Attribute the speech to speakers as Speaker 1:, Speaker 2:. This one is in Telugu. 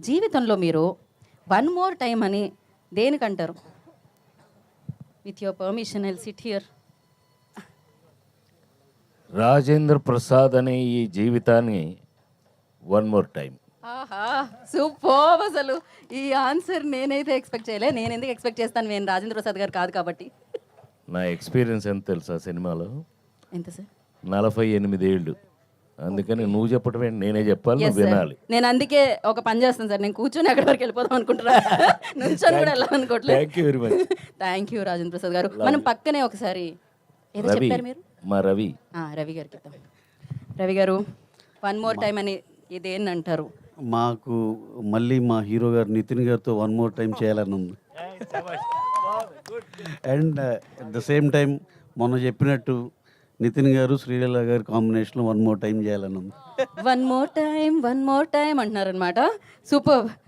Speaker 1: జీవితంలో మీరు వన్ మోర్ టైం అని దేనికంటారు? With your permission I sit here.
Speaker 2: Rajendra Prasad అనే ఈ జీవితాన్ని వన్ మోర్ టైం.
Speaker 1: ఆహా, సూపర్. అసలు ఈ ఆన్సర్ నేనైతే ఎక్స్పెక్ట్ చేయలే. నేను ఎందుకు ఎక్స్పెక్ట్ చేస్తాను? నేను రాజేంద్ర ప్రసాద్ గారు కాదు కాబట్టి.
Speaker 2: నా ఎక్స్పీరియన్స్ ఎంత తెలుసా సినిమాలో?
Speaker 1: ఎంత సార్?
Speaker 2: 48 ఏళ్ళు. అందుకని నువ్వు చెప్పడం ఏంటి, నేనే చెప్పాలి,
Speaker 1: Yes,
Speaker 2: నువ్వు
Speaker 1: sir.
Speaker 2: వినాలి.
Speaker 1: నేను అందుకే ఒక పని చేస్తాను సార్, నేను కూర్చొని అక్కడి వరకు వెళ్ళిపోదాం అనుకుంటున్నా. నుంచొని కూడా వెళ్ళాలనుకోవట్లేదు.
Speaker 2: Thank you very much.
Speaker 1: Thank you Rajendra Prasad garu. మనం పక్కనే ఒకసారి ఏదో
Speaker 2: రవి,
Speaker 1: చెప్పారు మీరు.
Speaker 2: మా రవి.
Speaker 1: రవి గారికి ఇద్దాం. రవి గారు, వన్ మోర్ టైం అని ఇదేంటి అంటారు?
Speaker 3: మాకు మళ్ళీ మా హీరో గారు నితిన్ గారితో వన్ మోర్ టైం చేయాలని ఉంది. And at the same time మొన్న చెప్పినట్టు నితిన్ గారు శ్రీలీల గారి కాంబినేషన్లో వన్ మోర్ టైం చేయాలని ఉంది.
Speaker 1: వన్ మోర్ టైం అంటున్నారనమాట. సూపర్.